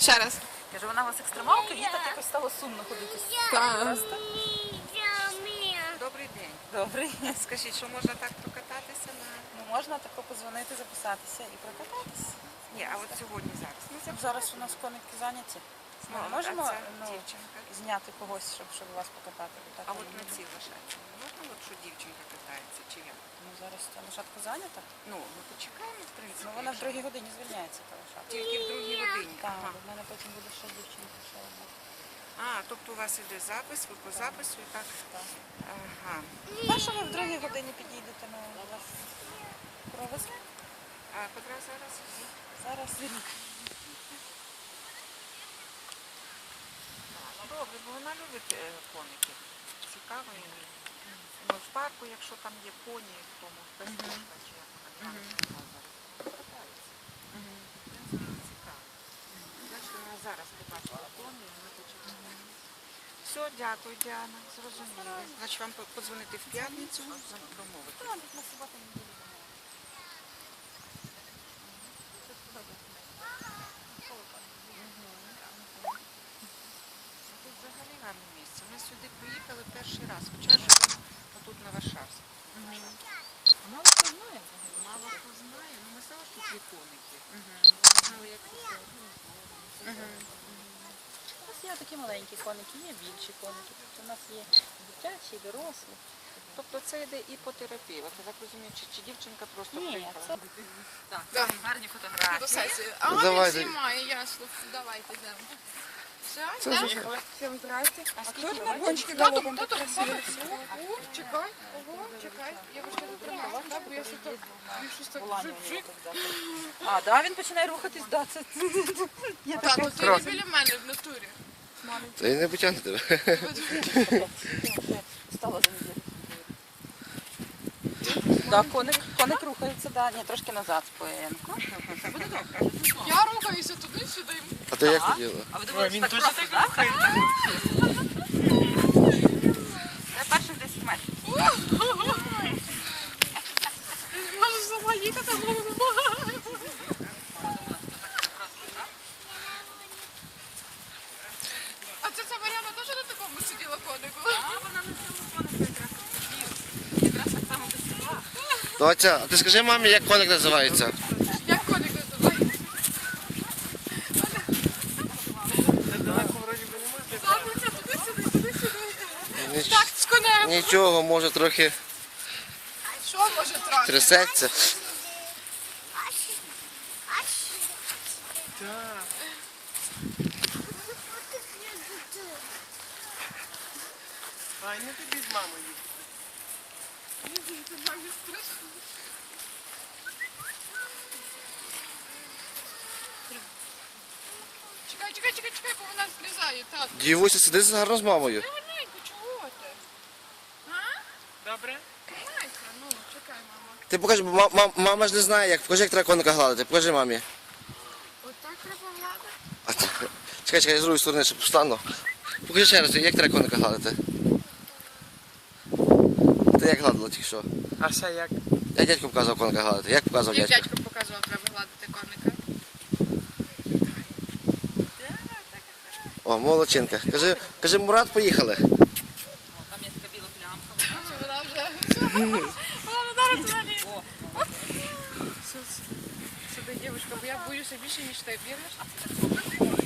Ще раз. Кажу, вона у вас екстремалка, їй так якось стало сумно ходити. Так. Добрий день. Добре. Скажіть, що можна так прокататися на... Ну, можна тако подзвонити, записатися і прокататися. Ні, а от сьогодні зараз. Ну, Зараз у нас коники зайняті. Ми а можемо це ну, дівчинка. зняти когось, щоб вас покатати? Так, А ми от не на будемо. цій лошадці можна, от що дівчинка катається, чи як? Ну, зараз ця лошадка зайнята. Ну, ми почекаємо, в принципі. Ну, вона в якщо- другій годині звільняється, та лошадка. Тільки в другій годині. Так, Ага. в мене потім буде ще дівчинка, ще одна. А, тобто у вас іде запис, ви по запису і так? Так. Ага. А що ви в другій годині підійдете, ми вас провезли? А котра зараз? Зараз. Ну, добре, бо вона любить коників. Цікаво їй. Ну, в парку, якщо там є поні, в тому пестушка, чи як вона там катається. Цікаво. Значить, вона зараз побачила поні, і ми почекаємо. Все, дякую, Діана, зрозуміли. Значить, вам подзвонити в п'ятницю, домовити. Так, на суботу не буде. Тут взагалі гарне місце. Ми сюди приїхали перший раз, хоча живемо тут на Варшавську. Мало хто знає. Мало хто знає, ну ми знали, що тут є коники. Знали, як це все. У нас є такі маленькі коники, є більші коники. Тобто у нас є дитячі, і дорослі. Тобто це йде і по терапії. От я так розумію, чи дівчинка просто Ні, приїхала? це Да. гарні До фотографії. сесії. А він Давайте. знімає, ясно. Давайте йдемо. Все, Це йдемо? ж- Всім здрасте. А скільки на гонщики галопом так красиво? О, чекай, ого, чекай. Я вже тут тримала, так, бо я щось так, щось так жик-жик. А, да, він починає рухатись, да, це. Я Так, така от ти не біля мене в натурі. Та й не потягне тебе. стала за неділю. Да, коник рухається, да, ні, трошки назад споєнко. Буде добре. Я рухаюся туди-сюди. А ти як хотіла? А ви думали, що так просто, так? Це перших 10 метрів. Можеш сама їхати, а можеш допомагати. А це ця Мар'яна теж на такому сиділа конику? Вона на цьому конику якраз так само досягла. Доця, а ти скажи мамі, як коник називається? Як коник називається? Забудься туди-сюди, туди-сюди. Так, з конем. Нічого, може трохи Що може трохи? трясеться. Ай, не тобі з мамою. Це мамі страшно. Чекай, бо вона злізає, так. Дівуся, сиди гарно з мамою. Гарненько, чого ти? А? Добре? Гарненько, ну, чекай, мама. Ти покажи, бо мама ж не знає, як. Покажи, як треба коника гладити. Покажи мамі. Отак треба гладити. А це- Чекай, я з другої сторони, щоб встану. Покажи ще раз, як треба коника гладити. Ти як гладила тільки що? А ще як? Я дядько показував коника гладити. Як показував Як дядько? дядько показував, треба гладити коника. О, молодчинка. Кажи, Мурат, поїхали. Там є така біла плямка. Вона вже... Вона зараз взагалі. Сюди, дівчинка, бо я боюся більше, ніж ти. Віриш?